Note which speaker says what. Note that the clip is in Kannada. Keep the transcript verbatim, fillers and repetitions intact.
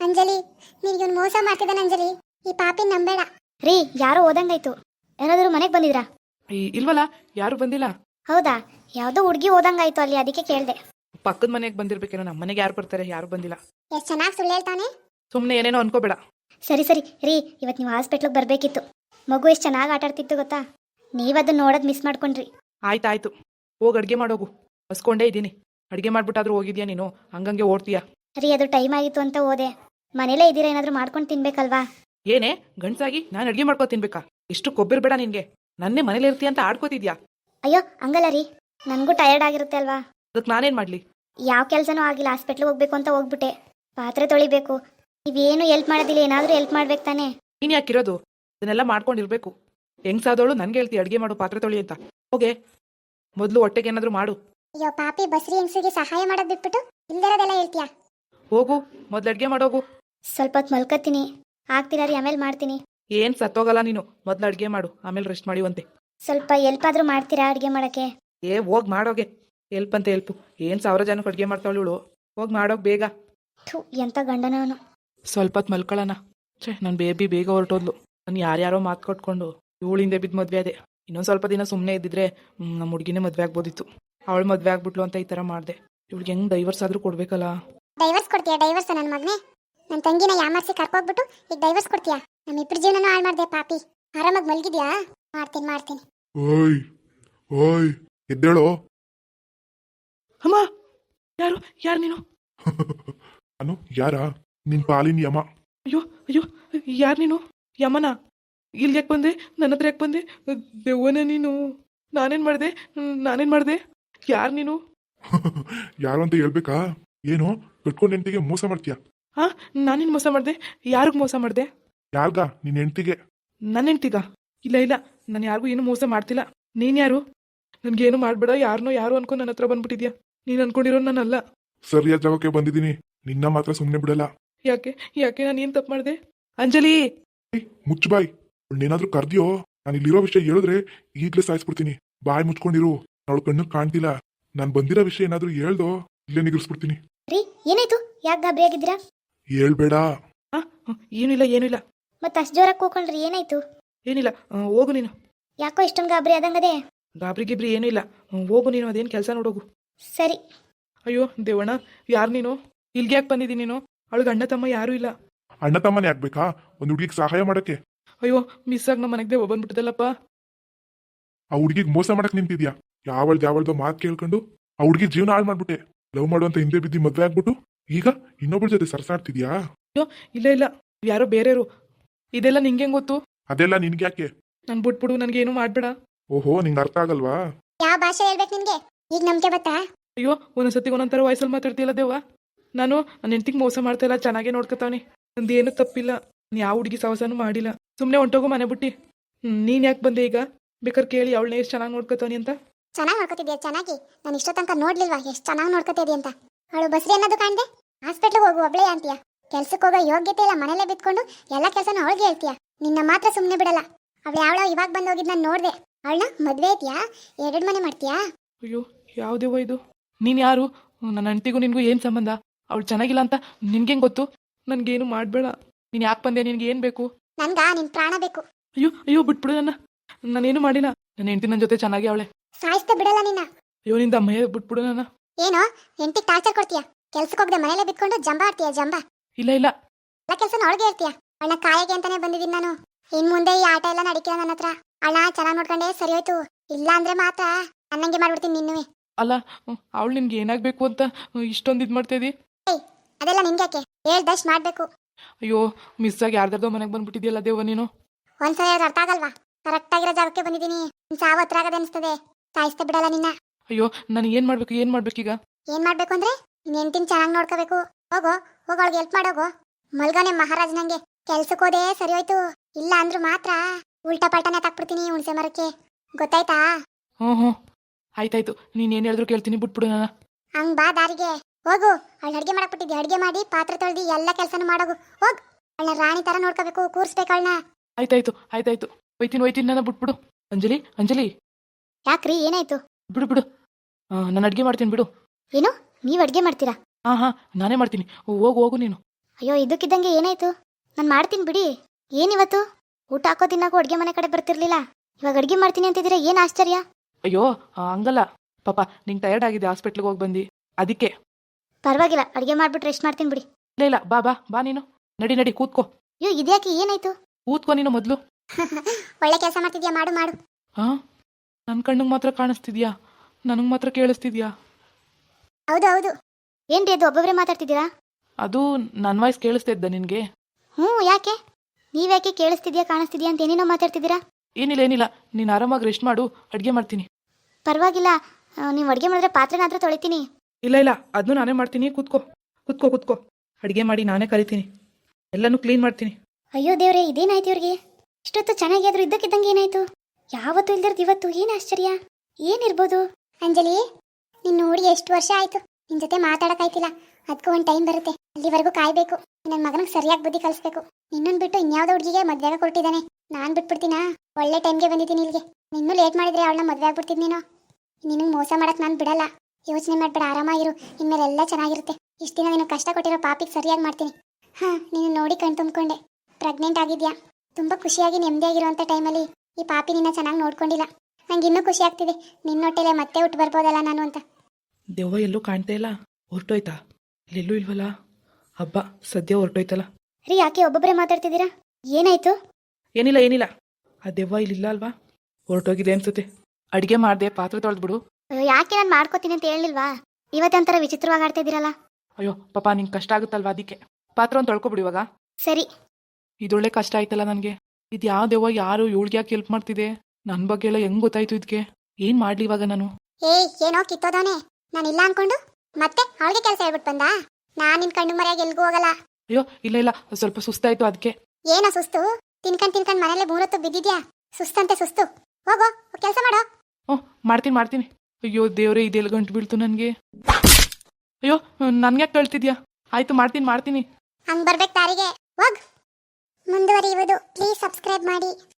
Speaker 1: ಅಂಜಲಿ, ನೀನು ಮೋಸ ಮಾಡ್ತಿದ್ದಾನೆ ಅಂಜಲಿ. ಈ ಪಾಪಿ ನಂಬೇಡ.
Speaker 2: ರೀ, ಯಾರೋ ಓದಂಗಾಯ್ತು. ಯಾರಾದರೂ ಮನೆಗೆ ಬಂದಿದ್ರಾ?
Speaker 3: ಈ ಇಲ್ವಲ್ಲ, ಯಾರು ಬಂದಿಲ್ಲ.
Speaker 2: ಹೌದಾ? ಯಾವುದೋ ಹುಡುಗಿ ಓದಂಗಾಯ್ತು ಅಲ್ಲಿ, ಅದಕ್ಕೆ ಕೇಳಿದೆ.
Speaker 3: ಪಕ್ಕದ ಮನೆಗೆ ಬಂದಿರ್ಬೇಕೇನೋ, ನಮ್ಮ ಮನೆಗೆ ಯಾರು ಬರ್ತಾರೆ? ಯಾರು ಬಂದಿಲ್ಲ.
Speaker 1: ಎಷ್ಟು ಚೆನ್ನಾಗಿ ಸುಳ್ಳು ಹೇಳ್ತಾನೆ.
Speaker 3: ಸುಮ್ಮನೆ ಏನೇನೋ ಅನ್ಕೋಬೇಡ.
Speaker 2: ಸರಿ ಸರಿ ರೀ, ಇವತ್ತು ನೀವು ಹಾಸ್ಪಿಟ್ಲಿಗೆ ಬರಬೇಕಿತ್ತು. ಮಗು ಎಷ್ಟು ಚೆನ್ನಾಗಿ ಆಟ ಆಡ್ತಿತ್ತು ಗೊತ್ತಾ? ನೀವು ಅದನ್ನ ನೋಡೋದು ಮಿಸ್ ಮಾಡ್ಕೊಂಡ್ರಿ.
Speaker 3: ಆಯ್ತಾಯ್ತು, ಹೋಗಿ ಅಡುಗೆ ಮಾಡೋಗು. ಬಸ್ಕೊಂಡೇ ಇದ್ದೀನಿ. ಅಡುಗೆ ಮಾಡ್ಬಿಟ್ಟಾದ್ರೂ ಹೋಗಿದ್ಯಾ ನೀನು? ಹಂಗಂಗೆ ಓಡ್ತೀಯಾ?
Speaker 2: ರೀ, ಅದು ಟೈಮ್ ಆಗಿತ್ತು ಅಂತ ಹೋದೆ. ಮನೇಲೇ ಇದ್ದೀರಾ, ಏನಾದರೂ ಮಾಡ್ಕೊಂಡು ತಿನ್ಬೇಕಲ್ವಾ?
Speaker 3: ಏನೇ ಗಂಡ್ಸಾಗಿ ನಾನು ಅಡುಗೆ ಮಾಡ್ಕೊ ತಿನ್ಬೇಕಾ? ಎಷ್ಟು ಕೊಬ್ಬಿರ್ಬೇಡ ನಿನ್ಗೆ. ನನ್ನೇ ಮನೇಲಿ ಇರ್ತೀಯ ಅಂತ ಆಡ್ಕೋತಿದ್ಯಾ?
Speaker 2: ಅಯ್ಯೋ ಹಂಗಲ್ಲ ರೀ, ನನಗೂ ಟಯರ್ಡ್ ಆಗಿರುತ್ತೆ ಅಲ್ವಾ.
Speaker 3: ಅದಕ್ಕೆ ನಾನೇನು ಮಾಡಲಿ?
Speaker 2: ಯಾವ ಕೆಲಸನೂ ಆಗಿಲ್ಲ, ಹಾಸ್ಪಿಟ್ಲಿಗೆ ಹೋಗ್ಬೇಕು ಅಂತ ಹೋಗ್ಬಿಟ್ಟೆ. ಪಾತ್ರೆ ತೊಳಿಬೇಕು. ನೀವೇನು ಹೆಲ್ಪ್ ಮಾಡೋದಿಲ್ಲ, ಏನಾದರೂ ಹೆಲ್ಪ್ ಮಾಡ್ಬೇಕು ತಾನೇ.
Speaker 3: ನೀನು ಯಾಕಿರೋದು? ಅದನ್ನೆಲ್ಲ ಮಾಡ್ಕೊಂಡಿರ್ಬೇಕು. ಹೆಂಗ್ಸಾದವಳು ನನ್ಗೆ ಹೇಳ್ತಿ ಅಡುಗೆ ಮಾಡು, ಪಾತ್ರೆ ತೊಳಿ ಅಂತ. ಹೋಗೆ ಮೊದಲು ಹೊಟ್ಟೆಗೆ ಏನಾದರೂ ಮಾಡು.
Speaker 1: ಅಯ್ಯೋ ಪಾಪಿ, ಬಸ್ರಿ ಹೆಂಗಸಿಗೆ ಸಹಾಯ ಮಾಡೋದು ಬಿಟ್ಬಿಟ್ಟು ಇಲ್ದಿರೋದೆಲ್ಲ ಹೇಳ್ತೀಯಾ?
Speaker 3: ಹೋಗು, ಮೊದಲು ಅಡುಗೆ ಮಾಡೋಗು.
Speaker 2: ಸ್ವಲ್ಪ ಹೊತ್ತು ಮಲ್ಕೋತೀನಿ. ಆಗ್ತೀರಾ ರೀ? ಆಮೇಲೆ ಮಾಡ್ತೀನಿ.
Speaker 3: ಏನು ಸತ್ತೋಗಲ್ಲ ನೀನು. ಮೊದಲು ಅಡುಗೆ ಮಾಡು, ಆಮೇಲೆ ರೆಸ್ಟ್ ಮಾಡಿವಂತೆ.
Speaker 2: ಸ್ವಲ್ಪ ಹೆಲ್ಪ್ ಆದರೂ ಮಾಡ್ತೀರಾ ಅಡುಗೆ ಮಾಡೋಕ್ಕೆ?
Speaker 3: ಏ ಹೋಗಿ ಮಾಡೋಗೆ. ಎಲ್ಪ್ ಅಂತ ಎಲ್ಪು ಏನು ಸಾವಿರ ಜನಕ್ಕೆ ಅಡುಗೆ ಮಾಡ್ತಾವಳು ಇವಳು. ಹೋಗಿ ಮಾಡೋಕೆ ಬೇಗ.
Speaker 2: ಥು, ಎಂಥ ಗಂಡನ ಅವನು.
Speaker 3: ಸ್ವಲ್ಪ ಹೊತ್ತು ಮಲ್ಕೊಳ್ಳೋಣ. ಛೇ, ನನ್ನ ಬೇಬಿ ಬೇಗ ಹೊರಟೋದ್ಲು. ನಾನು ಯಾರ್ಯಾರೋ ಮಾತು ಕೊಟ್ಕೊಂಡು ಇವಳಿಂದೆ ಬಿದ್ದು ಮದುವೆ ಅದೇ. ಇನ್ನೊಂದು ಸ್ವಲ್ಪ ದಿನ ಸುಮ್ಮನೆ ಇದ್ದಿದ್ರೆ ನಮ್ಮ ಹುಡುಗಿನೇ ಮದುವೆ ಆಗ್ಬೋದಿತ್ತು. ಅವಳು ಮದುವೆ ಆಗ್ಬಿಟ್ಲು ಅಂತ ಈ ಥರ ಮಾಡಿದೆ. ಇವಳಿಗೆ ಹೆಂಗೆ ಡೈವರ್ಸ್ ಆದರೂ ಕೊಡಬೇಕಲ್ಲ.
Speaker 1: ಡೈವರ್ಸ್ ಕೊಡ್ತೀಯಾ? ಡೈವರ್ಸ್ ನನ್ನ ಮಗನೇ. ನನ್ನ ತಂಗಿನ ಯಾಮಾರಿಸಿ ಕರ್ಕೋಗ್ಬಿಟ್ಟು ಈಗ ಡೈವರ್ಸ್ ಕೊಡ್ತೀಯಾ? ನಮ್ಮಿಬ್ಬರ ಜೀವನನೂ ಹಾಳು ಮಾಡಿದೆ ಪಾಪಿ. ಆರಾಮಾಗಿ ಮಲಗಿದ್ಯಾ? ಮಾಡ್ತೀನಿ ಮಾಡ್ತೀನಿ.
Speaker 4: ಓಯ್ ಓಯ್ ಎದ್ದೇಳೋ.
Speaker 3: ಅಮ್ಮ, ಯಾರು ಯಾರು ನೀನು?
Speaker 4: ನಾನು ಯಾರ? ನಿನ್ ಪಾಲಿನ ಯಮ.
Speaker 3: ಅಯ್ಯೋ ಅಯ್ಯೋ, ಯಾರು ನೀನು? ಯಮನ? ಇಲ್ಲಿ ಯಾಕೆ ಬಂದೆ? ನನ್ನ ಹತ್ರ ಯಾಕೆ ಬಂದೆ? ದೆವ್ವನ ನೀನು? ನಾನೇನು ಮಾಡಿದೆ? ನಾನೇನು ಮಾಡಿದೆ? ಯಾರು ನೀನು?
Speaker 4: ಯಾರು ಅಂತ ಹೇಳ್ಬೇಕಾ? ಏನು ಕಟ್ಕೊಂಡ್ ಹೆಂಡತಿಗೆ ಮೋಸ ಮಾಡ್ತೀಯಾ?
Speaker 3: ಹಾಂ, ನಾನೇನು ಮೋಸ ಮಾಡಿದೆ? ಯಾರಿಗೂ ಮೋಸ ಮಾಡಿದೆ?
Speaker 4: ಯಾರ್ಗ? ನಿನ್ ಹೆಂಡತಿಗೆ.
Speaker 3: ನನ್ನ ಹೆಂಡ್ತಿಗ? ಇಲ್ಲ ಇಲ್ಲ, ನಾನು ಯಾರಿಗೂ ಏನು ಮೋಸ ಮಾಡ್ತಿಲ್ಲ. ನೀನು ಯಾರು? ನನಗೇನು ಮಾಡಬೇಡ. ಯಾರನ್ನೋ ಯಾರು ಅನ್ಕೊಂಡು ನನ್ನ ಹತ್ರ ಬಂದ್ಬಿಟ್ಟಿದ್ಯಾ. ನೀನು ಅನ್ಕೊಂಡಿರೋ ನಾನಲ್ಲ.
Speaker 4: ಸರಿಯಾದ ಜಾಗಕ್ಕೆ ಬಂದಿದ್ದೀನಿ. ನಿನ್ನ ಮಾತ್ರ ಸುಮ್ಮನೆ ಬಿಡಲ್ಲ.
Speaker 3: ಯಾಕೆ ಯಾಕೆ ನಾನು ಏನು ತಪ್ಪು ಮಾಡಿದೆ? ಅಂಜಲಿ,
Speaker 4: ಮುಚ್ಚು ಬಾಯ್. ಏನಾದ್ರೂ ಕರ್ದಿಯೋ, ನಾನು ಇಲ್ಲಿರೋ ವಿಷಯ ಹೇಳಿದ್ರೆ ಈಗ್ಲೇ ಸಾಯಿಸ್ಬಿಡ್ತೀನಿ. ಬಾಯ್ ಮುಚ್ಕೊಂಡಿರು. ಅವಳು ಕಣ್ಣು ಕಾಣ್ತಿಲ್ಲ. ನಾನು ಬಂದಿರೋ ವಿಷಯ ಏನಾದ್ರೂ ಹೇಳ್ದೋ ಇಲ್ಲೇ ನಿಗಿಸ್ಬಿಡ್ತೀನಿ.
Speaker 2: ರೀ, ಏನಾಯ್ತು? ಯಾಕೆ ಗಾಬರಿ ಆಗಿದ್ದೀರಾ?
Speaker 4: ಹೇಳ್ಬೇಡ.
Speaker 3: ಹಾಂ, ಏನಿಲ್ಲ ಏನಿಲ್ಲ.
Speaker 2: ಮತ್ತೆ ಅಷ್ಟು ಜೋರಾಗಿ ಕೂಕೊಂಡ್ರಿ, ಏನಾಯ್ತು?
Speaker 3: ಏನಿಲ್ಲ, ಹೋಗು ನೀನು.
Speaker 2: ಯಾಕೋ ಇಷ್ಟೊಂದು ಗಾಬರಿ ಆದಂಗದೆ?
Speaker 3: ಗಾಬರಿ ಗಿಬ್ರಿ ಏನೂ ಇಲ್ಲ. ಹೋಗು ನೀನು, ಅದೇನು ಕೆಲಸ ನೋಡೋಗು.
Speaker 2: ಸರಿ.
Speaker 3: ಅಯ್ಯೋ ದೇವಣ್ಣ, ಯಾರು ನೀನು? ಇಲ್ಗೆ ಯಾಕೆ ಬಂದಿದ್ದೀನಿ ನೀನು? ಅವಳಿಗೆ ಅಣ್ಣ ತಮ್ಮ ಯಾರೂ ಇಲ್ಲ.
Speaker 4: ಅಣ್ಣ ತಮ್ಮನೇ ಆಗ್ಬೇಕಾ ಒಂದು ಹುಡುಗಿಗೆ ಸಹಾಯ ಮಾಡಕ್ಕೆ?
Speaker 3: ಅಯ್ಯೋ ಮಿಸ್ ಆಗಿ ನಮ್ಮ ಮನೆಗೆ ದೇವ ಬಂದ್ಬಿಟ್ಟಿದ್ದಲ್ಲಪ್ಪ.
Speaker 4: ಆ ಹುಡುಗಿಗೆ ಮೋಸ ಮಾಡಕ್ ನಿಂತಿದ್ಯಾ? ಯಾವಳ್ದು ಯಾವಳ್ದೋ ಮಾತು ಕೇಳ್ಕೊಂಡು ಆ ಹುಡುಗಿ ಜೀವನ ಹಾಳು ಮಾಡ್ಬಿಟ್ಟೆ. ಲವ್ ಮಾಡುವಂತ ಹಿಂದೆ ಬಿದ್ದಿ ಮದ್ವೆ ಆಗ್ಬಿಟ್ಟು ಈಗ ಇನ್ನೊಬ್ಬಳ ಜೊತೆ ಸರ್ಸಾಡ್ತಿದ್ಯಾ?
Speaker 3: ಅಯ್ಯೋ ಇಲ್ಲ ಇಲ್ಲ, ಯಾರೋ ಬೇರೆಯವರು. ಇದೆಲ್ಲ ನಿಂಗೆ ಹೆಂಗ್ ಗೊತ್ತು?
Speaker 4: ಅದೆಲ್ಲ ನಿನ್ಗೆ ಯಾಕೆ?
Speaker 3: ನನ್ ಬಿಟ್ಬಿಡು, ನನ್ಗೇನು ಮಾಡ್ಬೇಡ.
Speaker 4: ಓಹೋ, ನಿಂಗೆ ಅರ್ಥ ಆಗಲ್ವಾ?
Speaker 1: ಯಾವ ಭಾಷೆ ಹೇಳ್ಬೇಕು ನಿನ್ಗೆ? ಈಗ ನಂಬಿಕೆ ಬತ್ತಾ?
Speaker 3: ಅಯ್ಯೋ, ಒಂದೊಂದ್ಸತಿ ಒಂದೊಂಥರ ವಯಸ್ಸಲ್ಲಿ ಮಾತಾಡ್ತಿಲ್ಲ ದೇವ. ನಾನು ನನ್ನ ಹೆಂಡತಿಗೆ ಮೋಸ ಮಾಡ್ತಾ ಇಲ್ಲ, ಚೆನ್ನಾಗೇ ನೋಡ್ಕೊತಾವನಿ. ನಂದೇನು ತಪ್ಪಿಲ್ಲ. ನಾನು ಯಾವ ಹುಡುಗಿ ಸವಸನೂ ಮಾಡಿಲ್ಲ. ಸುಮ್ಮನೆ ಹೊಂಟೋಗು ಮನೆ ಬಿಟ್ಟು. ನೀನು ಯಾಕೆ ಬಂದೆ ಈಗ? ಬೇಕಾದ್ರೆ ಕೇಳಿ ಅವಳನ್ನ ಎಷ್ಟು ಚೆನ್ನಾಗಿ ನೋಡ್ಕೊತಾವನಿ ಅಂತ.
Speaker 1: ಚೆನ್ನಾಗಿ ನೋಡ್ಕೊತಿದ್ಯಾ? ಚೆನ್ನಾಗಿ. ನಾನು ಇಷ್ಟೋ ತನಕ ನೋಡ್ಲಿಲ್ವಾ ಎಷ್ಟು ಚೆನ್ನಾಗಿ ನೋಡ್ಕೊತಿದ್ಯ ಅಂತ? ಅವಳು ಬಸ್ರಿ ಅನ್ನೋದು ಕಾಣ್ದೆ? ಹಾಸ್ಪಿಟ್ಲಿಗೆ ಹೋಗು ಒಬ್ಳೆ ಅಂತೀಯ. ಕೆಲ್ಸಕ್ಕೆ ಹೋಗೋ ಯೋಗ್ಯತೆ ಇಲ್ಲ, ಮನೇಲೆ ಬಿತ್ಕೊಂಡು ಎಲ್ಲ ಕೆಲಸನೂ ಅವಳಿಗೆ ಹೇಳ್ತೀಯ. ನಿನ್ನ ಮಾತ್ರ ಸುಮ್ಮನೆ ಬಿಡಲ್ಲ. ಅವಳು ಯಾವಳೋ ಇವಾಗ ಬಂದು ಹೋಗಿದ್ದು ನಾನು ನೋಡಿದೆ. ಅವಳನ್ನ ಮದುವೆ ಐತಿಯಾ? ಎರಡು ಮನೆ ಮಾಡ್ತೀಯಾ?
Speaker 3: ಅಯ್ಯೋ ಯಾವ ದೇವ ಇದು? ನೀನು ಯಾರು? ನನ್ನ ಹೆಂಡತಿಗೂ ನಿನಗೂ ಏನು ಸಂಬಂಧ? ಅವಳು ಚೆನ್ನಾಗಿಲ್ಲ ಅಂತ ನಿನ್ಗೇನು ಗೊತ್ತು? ನನಗೇನು ಮಾಡಬೇಡ. ನೀನು ಯಾಕೆ ಬಂದೆ? ನಿನಗೆ ಏನು ಬೇಕು?
Speaker 1: ನನ್ಗ ನಿನ್ ಪ್ರಾಣ ಬೇಕು.
Speaker 3: ಅಯ್ಯೋ ಅಯ್ಯೋ ಬಿಟ್ಬಿಡು ನನ್ನ. ನಾನೇನು ಮಾಡಿಲ್ಲ. ನನ್ನ ಹೆಂಡತಿ ನನ್ನ ಜೊತೆ ಚೆನ್ನಾಗಿ ಅವಳೆ.
Speaker 1: ಸಾಯಿಸ್ತಾ ಬಿಡಲ್ಲ ನಿನ್ನ.
Speaker 3: ಅಯ್ಯೋ ನಿಂದ ಅಮ್ಮಯ್ಯ ಬಿಟ್ಬಿಡು ನನ್ನ.
Speaker 1: ಏನೋ ಹೆಂಡತಿಗೆ ಟಾರ್ಚರ್ ಕೊಡ್ತೀಯಾ? ಕೆಲ್ಸಕ್ಕೆ ಹೋಗದೆ ಮನೇಲೆ ಬಿತ್ಕೊಂಡು ಜಂಬ ಆಡ್ತೀಯ ಜಂಬ.
Speaker 3: ಇಲ್ಲ ಇಲ್ಲ,
Speaker 1: ಎಲ್ಲ ಕೆಲಸನ ಅವಳಿಗೆ ಹೇಳ್ತೀಯ. ಅವಳನ್ನ ಕಾಯಗೆ ಅಂತಾನೆ ಬಂದಿದ್ದೀನಿ ನಾನು. ಇನ್ ಮುಂದೆ ಈ ಆಟ ಎಲ್ಲ ನಡೀಕಿಲ್ಲ ನನ್ನ ಹತ್ರ. ಅವಳನ್ನ ಚೆನ್ನಾಗಿ ನೋಡ್ಕೊಂಡೆ ಸರಿ ಹೋಯ್ತು. ಇಲ್ಲ ಅಂದ್ರೆ ಮಾತ್ರ ಅನ್ನಂಗೆ ಮಾಡ್ಬಿಡ್ತೀನಿ ನಿನ್ನುವೆ.
Speaker 3: ಅಲ್ಲ, ಅವಳು ನಿನ್ಗೆ ಏನಾಗಬೇಕು ಅಂತ ಇಷ್ಟೊಂದು ಇದು ಮಾಡ್ತಾ ಇದ್ದೀ?
Speaker 1: ಏಯ್, ಅದೆಲ್ಲ ನಿನ್ಗ್ಯಾಕೆ? ಹೇಳ್ದಷ್ಟು ಮಾಡ್ಬೇಕು.
Speaker 3: ಅಯ್ಯೋ ಮಿಸ್ ಆಗಿ ಯಾರ್ದಾರ್ದೋ ಮನೆಗೆ ಬಂದ್ಬಿಟ್ಟಿದ್ಯಲ್ಲ ದೇವ ನೀನು.
Speaker 1: ಒಂದ್ಸಲ ಅವ್ರು ಅರ್ಥ ಆಗಲ್ವಾ? ಕರೆಕ್ಟ್ ಆಗಿರೋ ಜಾಗಕ್ಕೆ ಬಂದಿದ್ದೀನಿ. ನಿನ್ ಸಾವು ಹತ್ರ ಆಗದೆ ಅನಿಸ್ತದೆ. ಸಾಯಿಸ್ತಾ ಬಿಡಲ್ಲ ನಿನ್ನ.
Speaker 3: ಅಯ್ಯೋ ನಾನು ಏನು ಮಾಡ್ಬೇಕು? ಏನು ಮಾಡ್ಬೇಕೀಗ?
Speaker 1: ಏನ್ ಮಾಡ್ಬೇಕು ಅಂದ್ರೆ ನಿನ್ ಹೆಂಡತಿನ ಚೆನ್ನಾಗಿ ನೋಡ್ಕೋಬೇಕು. ಹೋಗೋ ಹೋಗ, ಅವಳಿಗೆ ಹೆಲ್ಪ್ ಮಾಡೋಗೋ. ಮಲ್ಗಾನೆ ಮಹಾರಾಜ್ ನಂಗೆ. ಕೆಲ್ಸಕ್ಕೆ ಹೋದೆ ಸರಿ ಹೋಯ್ತು. ಇಲ್ಲ ಅಂದ್ರೂ ಮಾತ್ರ ಉಲ್ಟಾ ಪಲ್ಟಾನೆ ತಾಕ್ಬಿಡ್ತೀನಿ ಹುಣಸೆ ಮರಕ್ಕೆ. ಗೊತ್ತಾಯ್ತಾ?
Speaker 3: ಹ್ಞೂ ಹ್ಞೂ ಆಯ್ತಾಯ್ತು. ನೀನು ಏನು ಹೇಳಿದ್ರು ಕೇಳ್ತೀನಿ, ಬಿಟ್ಬಿಡು ನನ್ನ.
Speaker 1: ಹಂಗ್ ಬಾ ದಾರಿಗೆ. ಹೋಗು. ಅವಳು ಅಡ್ಗೆ ಮಾಡಕ್ ಬಿಟ್ಟಿದ್ದೆ, ಅಡ್ಗೆ ಮಾಡಿ ಪಾತ್ರೆ ತೊಳ್ದಿ ಎಲ್ಲ ಕೆಲಸನೂ ಮಾಡೋಗು. ಹೋಗ್. ಅವಳನ್ನ ರಾಣಿ ತರ ನೋಡ್ಕೋಬೇಕು, ಕೂರ್ಸ್ಬೇಕು ಅವಳನ್ನ.
Speaker 3: ಆಯ್ತಾಯ್ತು ಆಯ್ತಾಯ್ತು, ಒಯ್ತೀನಿ ಒಯ್ತೀನಿ ನನ್ನ. ಬಿಟ್ಬಿಡು. ಅಂಜಲಿ ಅಂಜಲಿ,
Speaker 2: ಯಾಕ್ರಿ, ಏನಾಯ್ತು?
Speaker 3: ಬಿಡು ಬಿಡು, ನಾನು ಅಡುಗೆ ಮಾಡ್ತೀನಿ ಬಿಡು.
Speaker 2: ಏನು, ನೀವು ಅಡುಗೆ ಮಾಡ್ತೀರಾ?
Speaker 3: ಹಾಂ ಹಾಂ ನಾನೇ ಮಾಡ್ತೀನಿ. ಹೋಗು ಹೋಗು ನೀನು.
Speaker 2: ಅಯ್ಯೋ ಇದಕ್ಕಿದ್ದಂಗೆ ಏನಾಯ್ತು? ನಾನು ಮಾಡ್ತೀನಿ ಬಿಡಿ. ಏನಿವತ್ತು ಊಟ ಹಾಕೋ ತಿನ್ನಕ್ಕೂ ಅಡುಗೆ ಮನೆ ಕಡೆ ಬರ್ತಿರ್ಲಿಲ್ಲ, ಇವಾಗ ಅಡುಗೆ ಮಾಡ್ತೀನಿ ಅಂತಿದ್ದೀರಾ, ಏನು ಆಶ್ಚರ್ಯ?
Speaker 3: ಅಯ್ಯೋ ಆ, ಹಂಗಲ್ಲ ಪಾಪ, ನಿಂಗೆ ಟಯರ್ಡ್ ಆಗಿದೆ, ಹಾಸ್ಪಿಟ್ಲಿಗೆ ಹೋಗಿ ಬಂದು ಅದಕ್ಕೆ.
Speaker 2: ಪರವಾಗಿಲ್ಲ, ಅಡುಗೆ ಮಾಡ್ಬಿಟ್ಟು ರೆಸ್ಟ್ ಮಾಡ್ತೀನಿ ಬಿಡಿ.
Speaker 3: ಇಲ್ಲ ಇಲ್ಲ, ಬಾ ಬಾ ಬಾ ನೀನು, ನಡಿ ನಡಿ ಕೂತ್ಕೋ.
Speaker 2: ಅಯ್ಯೋ ಇದ್ಯಾಕೆ, ಏನಾಯ್ತು?
Speaker 3: ಕೂತ್ಕೋ ನೀನು ಮೊದಲು.
Speaker 1: ಒಳ್ಳೆ ಕೆಲಸ ಮಾಡ್ತಿದ್ಯಾ, ಮಾಡು ಮಾಡು.
Speaker 3: ಹಾ, ನನ್ನ ಕಣ್ಣಿಗೆ ಮಾತ್ರ ಕಾಣಿಸ್ತಿದ್ಯಾ, ನನಗೆ ಮಾತ್ರ ಕೇಳಿಸ್ತಿದ್ಯಾ?
Speaker 1: ಹೌದು ಹೌದು.
Speaker 2: ಏನ್ರಿ ಅದು ಒಬ್ಬೊಬ್ಬರೇ ಮಾತಾಡ್ತಿದ್ದೀರಾ?
Speaker 3: ಅದು ನನ್ನ ವಾಯ್ಸ್ ಕೇಳಿಸ್ತಾ ಇದ್ದ ನಿನಗೆ?
Speaker 2: ಹ್ಞೂ, ಯಾಕೆ? ನೀವ್ಯಾಕೆ ಕೇಳಿಸ್ತಿದ್ಯಾ ಕಾಣಿಸ್ತಿದ್ಯಾ ಅಂತ ಏನೇನೋ ಮಾತಾಡ್ತಿದ್ದೀರಾ?
Speaker 3: ಏನಿಲ್ಲ ಏನಿಲ್ಲ, ನೀನು ಆರಾಮಾಗಿ ರೆಸ್ಟ್ ಮಾಡು, ಅಡುಗೆ ಮಾಡ್ತೀನಿ.
Speaker 2: ಪರವಾಗಿಲ್ಲ, ನೀವು ಅಡುಗೆ ಮಾಡಿದ್ರೆ ಪಾತ್ರೆನಾದ್ರೂ ತೊಳಿತೀನಿ.
Speaker 3: ಇಲ್ಲ ಇಲ್ಲ, ಅದನ್ನು ನಾನೇ ಮಾಡ್ತೀನಿ, ಕೂತ್ಕೋ ಕೂತ್ಕೋ ಕೂತ್ಕೋ. ಅಡುಗೆ ಮಾಡಿ ನಾನೇ ಕರಿತೀನಿ, ಎಲ್ಲನೂ ಕ್ಲೀನ್ ಮಾಡ್ತೀನಿ.
Speaker 2: ಅಯ್ಯೋ ದೇವ್ರೆ, ಇದೇನಾಯ್ತು ಇವ್ರಿಗೆ? ಇಷ್ಟೊತ್ತು ಚೆನ್ನಾಗಿ ಆದ್ರೂ ಇದ್ದಕ್ಕಿದ್ದಂಗೆ ಏನಾಯ್ತು? ಯಾವತ್ತೂ ಇಲ್ದಿರ್ದು ಇವತ್ತು, ಏನು ಆಶ್ಚರ್ಯ? ಏನಿರ್ಬೋದು?
Speaker 1: ಅಂಜಲಿ, ನಿನ್ನ ನೋಡಿ ಎಷ್ಟು ವರ್ಷ ಆಯ್ತು, ನಿನ್ ಜೊತೆ ಮಾತಾಡಕ್ಕಾಯ್ತಿಲ್ಲ. ಅದಕ್ಕೂ ಒಂದು ಟೈಮ್ ಬರುತ್ತೆ, ಅಲ್ಲಿವರೆಗೂ ಕಾಯ್ಬೇಕು. ನನ್ನ ಮಗನಿಗೆ ಸರಿಯಾಗಿ ಬುದ್ಧಿ ಕಲಿಸ್ಬೇಕು. ನಿನ್ನನ್ನು ಬಿಟ್ಟು ಇನ್ಯಾವುದೋ ಹುಡುಗಿಗೆ ಮದ್ವೆಗೆ ಕೊಟ್ಟಿದ್ದಾನೆ, ನಾನು ಬಿಟ್ಬಿಡ್ತೀನಾ? ಒಳ್ಳೆ ಟೈಮ್ಗೆ ಬಂದಿದ್ದೀನಿ ಇಲ್ಲಿಗೆ. ನಿನ್ನೂ ಲೇಟ್ ಮಾಡಿದ್ರೆ ಅವಳನ್ನ ಮದ್ವೆ ಆಗ್ಬಿಡ್ತೀನಿ ನೀನು. ನಿನಗೆ ಮೋಸ ಮಾಡಕ್ ನಾನು ಬಿಡಲ್ಲ. ಯೋಚನೆ ಮಾಡ್ಬೇಡ, ಆರಾಮಾಗಿರು. ಇನ್ಮೇಲೆ ಎಲ್ಲ ಚೆನ್ನಾಗಿರುತ್ತೆ. ಇಷ್ಟು ದಿನ ನೀನು ಕಷ್ಟ ಕೊಟ್ಟಿರೋ ಪಾಪಿಗೆ ಸರಿಯಾಗಿ ಮಾಡ್ತೀನಿ. ಹಾ, ನೀನು ನೋಡಿ ಕಣ್ ತುಂಬಿಕೊಂಡೆ. ಪ್ರೆಗ್ನೆಂಟ್ ಆಗಿದ್ಯಾ, ತುಂಬ ಖುಷಿಯಾಗಿ ನೆಮ್ಮದಿಯಾಗಿರುವಂಥ ಟೈಮಲ್ಲಿ ಈ ಪಾಪಿ ನಿನ್ನ ಚೆನ್ನಾಗಿ ನೋಡ್ಕೊಂಡಿಲ್ಲ. ನಂಗೆ ಇನ್ನೂ ಖುಷಿ ಆಗ್ತಿದೆ, ನಿನ್ನೊಟ್ಟೆಲೆ ಮತ್ತೆ ಹುಟ್ಟು ಬರ್ಬೋದಲ್ಲ ನಾನು ಅಂತ.
Speaker 3: ದೆವ್ವ ಎಲ್ಲೂ ಕಾಣ್ತಾ ಇಲ್ಲ, ಹೊರಟೋಯ್ತಾ? ಇಲ್ಲೆಲ್ಲೂ ಇಲ್ವಲ್ಲ? ಹಬ್ಬ, ಸದ್ಯ ಹೊರಟೋಯ್ತಲ್ಲ.
Speaker 2: ರೀ, ಯಾಕೆ ಒಬ್ಬೊಬ್ಬರೇ ಮಾತಾಡ್ತಿದ್ದೀರಾ? ಏನಾಯ್ತು?
Speaker 3: ಏನಿಲ್ಲ ಏನಿಲ್ಲ, ಆ ದೆವ್ವ ಇಲ್ಲಿಲ್ಲ ಅಲ್ವಾ, ಹೊರಟೋಗಿದೆ ಅನ್ಸುತ್ತೆ. ಅಡುಗೆ ಮಾಡಿದೆ, ಪಾತ್ರೆ ತೊಳೆದ್ಬಿಡು.
Speaker 2: ಅಯ್ಯೋ, ಯಾಕೆ ನಾನು ಮಾಡ್ಕೋತೀನಿ ಅಂತ ಹೇಳಿಲ್ವಾ? ಇವತ್ತೊಂಥರ ವಿಚಿತ್ರವಾಗಿ ಆಡ್ತಾ ಇದ್ದೀರಲ್ಲ.
Speaker 3: ಅಯ್ಯೋ ಪಾಪ, ನಿಂಗೆ ಕಷ್ಟ ಆಗುತ್ತಲ್ವಾ, ಅದಕ್ಕೆ ಪಾತ್ರೆ ಒಂದು ತೊಳ್ಕೊಬಿಡು ಇವಾಗ.
Speaker 2: ಸರಿ.
Speaker 3: ಇದೊಳ್ಳೆ ಕಷ್ಟ ಆಯ್ತಲ್ಲ ನನಗೆ. ಇದು ಯಾವ ದೆವ್ವ, ಯಾರು ಇವಳಿಗೆ ಯಾಕೆ ಹೆಲ್ಪ್ ಮಾಡ್ತಿದೆ? ನನ್ನ ಬಗ್ಗೆ ಎಲ್ಲ ಹೆಂಗ್ ಗೊತ್ತಾಯ್ತು ಇದಕ್ಕೆ? ಏನು ಮಾಡಲಿ ಇವಾಗ ನಾನು?
Speaker 1: ಏಯ್, ಏನೋ ಕಿತ್ತೋದವನೇ, ನಾನು ಇಲ್ಲ ಅನ್ಕೊಂಡು ಮತ್ತೆ ಅವಳಿಗೆ ಕೆಲಸ ಹೇಳ್ಬಿಟ್ಟು ಬಂದ. ನಾನು ನಿನ್ ಕಣ್ಣು ಮರೆಯಾಗಿ ಎಲ್ಗೂ ಹೋಗಲ್ಲ.
Speaker 3: ಅಯ್ಯೋ ಇಲ್ಲ ಇಲ್ಲ, ಸ್ವಲ್ಪ ಸುಸ್ತಾಯ್ತು ಅದಕ್ಕೆ.
Speaker 1: ಏನೋ ಸುಸ್ತು? ತಿನ್ಕಂಡ್ ತಿನ್ಕಂಡ್ ಮನೇಲೆ ಮೂರೊತ್ತು ಬಿದ್ದಿದ್ಯಾ? ಸುಸ್ತಂತೆ ಸುಸ್ತು. ಹೋಗೋ, ಕೆಲಸ ಮಾಡೋ.
Speaker 3: ಹ್ಞೂ, ಮಾಡ್ತೀನಿ ಮಾಡ್ತೀನಿ. ಅಯ್ಯೋ ದೇವ್ರೆ, ಇದೆಲ್ಲ ಗಂಟು ಬೀಳ್ತು ನನಗೆ. ಅಯ್ಯೋ, ನನ್ಗ್ಯಾಕೆ ಕಳ್ತಿದ್ಯಾ? ಆಯ್ತು, ಮಾಡ್ತೀನಿ ಮಾಡ್ತೀನಿ.
Speaker 1: ಹಂಗ್ ಬರ್ಬೇಕು ದಾರಿಗೆ. ಹೋಗ್. ಮುಂದುವರಿಯುವುದು. ಪ್ಲೀಸ್ ಸಬ್ಸ್ಕ್ರೈಬ್ ಮಾಡಿ.